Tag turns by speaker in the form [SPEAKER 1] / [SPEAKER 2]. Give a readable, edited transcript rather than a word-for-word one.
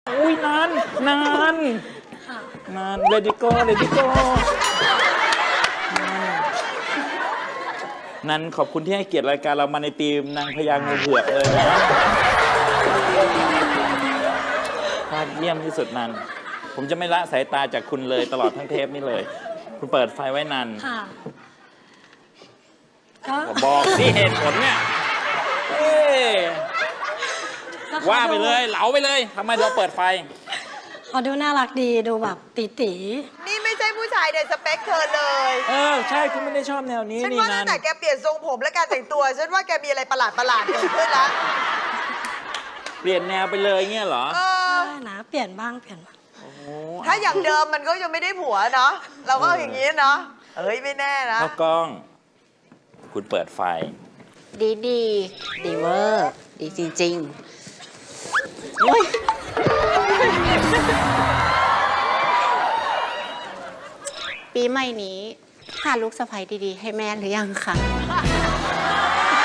[SPEAKER 1] อุ้ยนานเลดิโก้นันขอบคุณที่ให้เกียรติรายการเรามาในทีมนางพญางูเผือกเลยนะยอดเยี่ยมที่สุดนันผมจะไม่ละสายตาจากคุณเลยตลอดทั้งเทปนี้เลย คุณเปิดไฟไว้นันบอกที่เหตุผลเนี่ยว่าไปเลยเหลาไปเลยทำไมเราเปิดไฟ
[SPEAKER 2] เขาดูน่ารักดีดูแบบตี
[SPEAKER 3] นี่ไม่ใช่ผู้ชายในสเปคเธอเลย
[SPEAKER 1] ใช่คุณไม่ได้ชอบแนวนี้
[SPEAKER 3] ฉัน
[SPEAKER 1] นี่
[SPEAKER 3] ว่า
[SPEAKER 1] นั
[SPEAKER 3] ตั้
[SPEAKER 1] น
[SPEAKER 3] งแต่แกเปลี่ยนทรงผมและการแต่งตัวฉันว่าแกมีอะไรประหลาดเกิดขึ้นแล้ว
[SPEAKER 1] เปลี่ยนแนวไปเลยเงี้ยเหรอ
[SPEAKER 2] ๆได้นะเปลี่ยนบ้าง
[SPEAKER 3] ถ้าอย่างเดิมมันก็ยังไม่ได้ผัวเนาะเราก็อย่างนี้เนาะไม่แน่นะ
[SPEAKER 1] ข้าวกล้องคุณเปิดไฟ
[SPEAKER 4] ดีเวอร์ดีจริงๆปีใหม่นี้หาลูกสะใภ้ดีๆให้แม่หรือยังคะ